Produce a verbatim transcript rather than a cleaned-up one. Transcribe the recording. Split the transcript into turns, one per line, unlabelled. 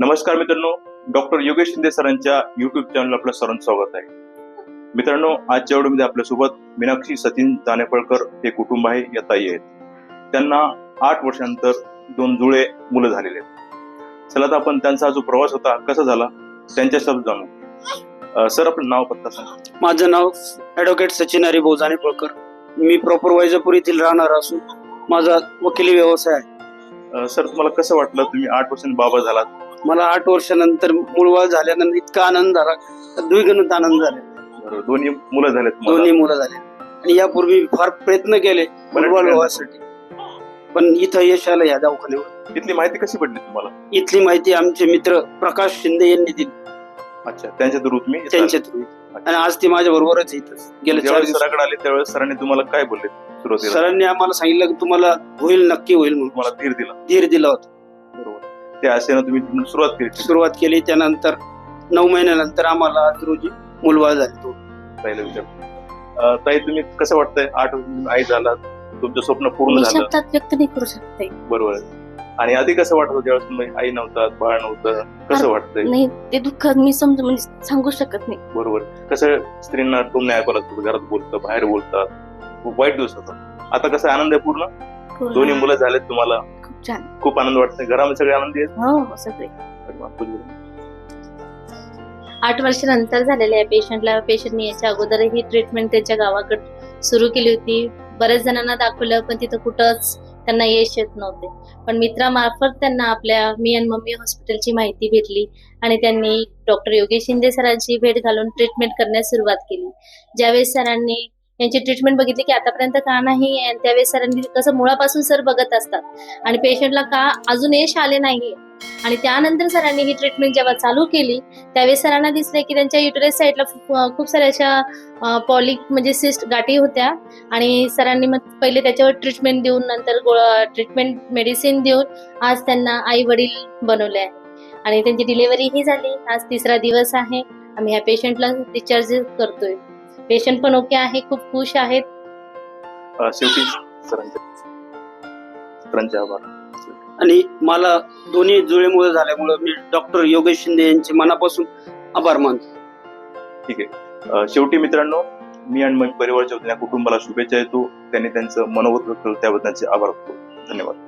नमस्कार मित्रांनो, डॉक्टर योगेश शिंदे सरांच्या युट्यूब चॅनल आपलं सर्वांचं स्वागत आहे. मित्रांनो, आजच्या व्हिडिओमध्ये आपल्यासोबत मीनाक्षी सचिन जानेफळकर हे कुटुंब आहे, या ताई आहेत. त्यांना आठ वर्षांनंतर दोन जुळे मुलं झालेले आहेत. चला तर आपण त्यांचा जो प्रवास होता कसा झाला त्यांच्या शब्द जाणू. सर, आपलं नाव पत्ता सांगा.
माझं नाव ॲडव्होकेट सचिन हरिभाऊ जानेफळकर. मी प्रॉपर वैजापूर येथील राहणार असून माझा वकिली व्यवसाय आहे.
सर, तुम्हाला कसं वाटलं, तुम्ही आठ वर्षांनी बाबा झालात?
मला आठ वर्षानंतर मूळवाळ झाल्यानंतर इतका आनंद झाला, द्विगुणित आनंद झाला.
बरोबर, दोन्ही मुलं झालेत तुम्हाला?
दोन्ही मुलं झाले आणि यापूर्वी फार प्रयत्न केले मूळवाळ व्हावासाठी, पण इथं यश आलं या दवाखान्यावर.
इथली माहिती कशी पडली तुम्हाला?
इथली माहिती आमचे मित्र प्रकाश शिंदे यांनी दिली.
अच्छा, त्यांच्या थ्रू तुम्ही?
त्यांच्या थ्रू. आणि आज ते माझ्या बरोबरच इथं गेले चार दिवस.
सराकडे आले त्यावेळेस सरांनी तुम्हाला काय बोलले सुरुवातीला?
सरांनी आम्हाला सांगितलं की तुम्हाला होईल, नक्की होईल म्हणून.
मला धीर दिला.
धीर दिला होता.
बरोबर, त्या आशेनं तुम्ही सुरुवात केली.
सुरुवात केली. त्यानंतर नऊ महिन्यानंतर आम्हाला आज रोजी मुलबाळ झाले. तो
पहिला विचार. ताई, तुम्ही कसं वाटतंय, आठ वर्ष आई झाला, तुमचं स्वप्न पूर्ण झालं?
शब्दात व्यक्त नाही करू शकते.
बरोबर. आणि आधी कसं वाटत होतं ज्यावेळेस तुम्ही आई नव्हतात, बाळ नव्हतं, कसं वाटतंय?
नाही, ते दुःख मी समजून म्हणजे सांगू शकत नाही.
बरोबर. कसं स्त्रींना टोमणे ऐकावं लागतं, घरात बोलतात, बाहेर बोलतात, खूप वाईट दिवस होतात. आता कसं आनंद आहे पूर्ण? दोन्ही मुलं झालेत तुम्हाला,
खूप छान,
खूप आनंद वाटतंय. घरामध्ये सगळे आनंदी आहेत?
हो हो, सगळे. आठ वर्षानंतर झालेल्या या पेशंटला, पेशंटने याच्या अगोदरही ट्रीटमेंट त्याच्या गावाकडे सुरू केली होती. बऱ्याच जणांना दाखवलं, पण तिथं कुठंच त्यांना यश येत नव्हते. पण मित्रामार्फत त्यांना आपल्या मी आणि मम्मी हॉस्पिटलची माहिती भेटली आणि त्यांनी डॉक्टर योगेश शिंदे सरांची भेट घालून ट्रीटमेंट करण्यास सुरुवात केली. ज्यावेळेस सरांनी यांची ट्रीटमेंट बघितली की आतापर्यंत का नाही, आणि त्यावेळेस सरांनी कसं मुळापासून सर बघत असतात आणि पेशंटला का अजून यश आले नाही. आणि त्यानंतर सरांनी ही ट्रीटमेंट जेव्हा चालू केली त्यावेळेस सरांना दिसले की त्यांच्या युटरस साईडला खूप साऱ्या अशा पॉलिक म्हणजे सिस्ट गाठी होत्या. आणि सरांनी मग पहिले त्याच्यावर ट्रीटमेंट देऊन, नंतर ट्रीटमेंट मेडिसिन देऊन आज त्यांना आई वडील बनवले आहे आणि त्यांची डिलिव्हरी ही झाली. आज तिसरा दिवस आहे. आम्ही ह्या पेशंटला डिस्चार्ज करतोय. पेशंट पण ओके आहे, खूप खुश आहेत.
शेवटी सरांचे सरांचे आभार.
आणि मला दोन्ही जुळे मुलं झाल्यामुळे मी डॉक्टर योगेश शिंदे यांचे मनापासून आभार मानतो.
ठीक आहे. शेवटी मित्रांनो, मी आणि माझ्या परिवाराच्या वतीने कुटुंबाला शुभेच्छा देतो. त्यांनी त्यांचं मनोगत व्यक्त केलं त्याबद्दल त्यांचे आभार. धन्यवाद.